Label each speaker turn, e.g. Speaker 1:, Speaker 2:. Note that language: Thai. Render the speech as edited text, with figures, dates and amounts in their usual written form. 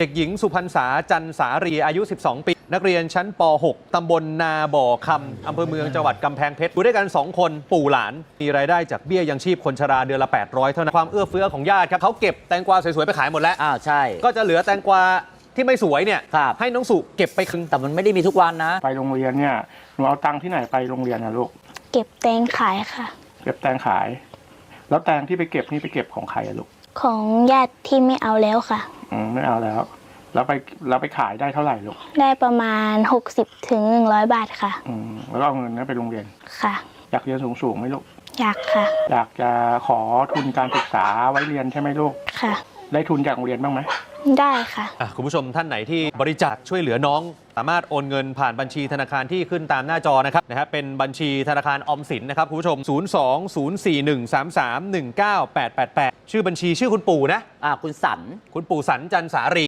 Speaker 1: เด็กหญิงสุพรรษาจันสารีอายุ 12 ปี นักเรียนชั้นป .6 ตำบลนาบ่อคำอำเภอเมืองจังหวัดกำแพงเพชรอยู่ด้วยกัน 2 คนปู่หลานมีรายได้จากเบี้ยยังชีพคนชราเดือนละ 800 เท่านั้นความเอื้อเฟื้อของญาติครับเขาเก็บแตงกวาสวยๆไปขายหมดแล้ว
Speaker 2: ใช่
Speaker 1: ก็จะเหลือแตงกวาที่ไม่สวยเนี่ยให้น้องสุเก็บไปครึ่ง
Speaker 2: แต่มันไม่ได้มีทุกวันนะ
Speaker 3: ไปโรงเรียนเนี่ยหนูเอาตังค์ที่ไหนไปโรงเรียนนะลูก
Speaker 4: เก็บแตงขายค่ะ
Speaker 3: เก็บแตงขายแล้วแตงที่ไปเก็บนี่ไปเก็บของใครอะลูก
Speaker 4: ของญาติที่ไม่เอาแล้วค่ะ
Speaker 3: ไม่เอาแล้วไปขายได้เท่าไหร่ลูก
Speaker 4: ได้ประมาณ60 ถึง 100 บาทค่ะ
Speaker 3: แล้วก็เอาเงินนั้นไปโรงเรียน
Speaker 4: ค่ะ
Speaker 3: อยากเรียนสูงไหมลูก
Speaker 4: อยากค่ะ
Speaker 3: อยากจะขอทุนการศึกษาไว้เรียนใช่ไหมลูก
Speaker 4: ค่ะ
Speaker 3: ได้ทุนจากโรงเรียนบ้างไหม
Speaker 4: ได้ค่ะ
Speaker 1: คุณผู้ชมท่านไหนที่บริจาคช่วยเหลือน้องสามารถโอนเงินผ่านบัญชีธนาคารที่ขึ้นตามหน้าจอนะครับเป็นบัญชีธนาคารออมสินนะครับคุณผู้ชม02041331988ชื่อบัญชีชื่อคุณปู่นะ
Speaker 2: คุณสัน
Speaker 1: จันสารี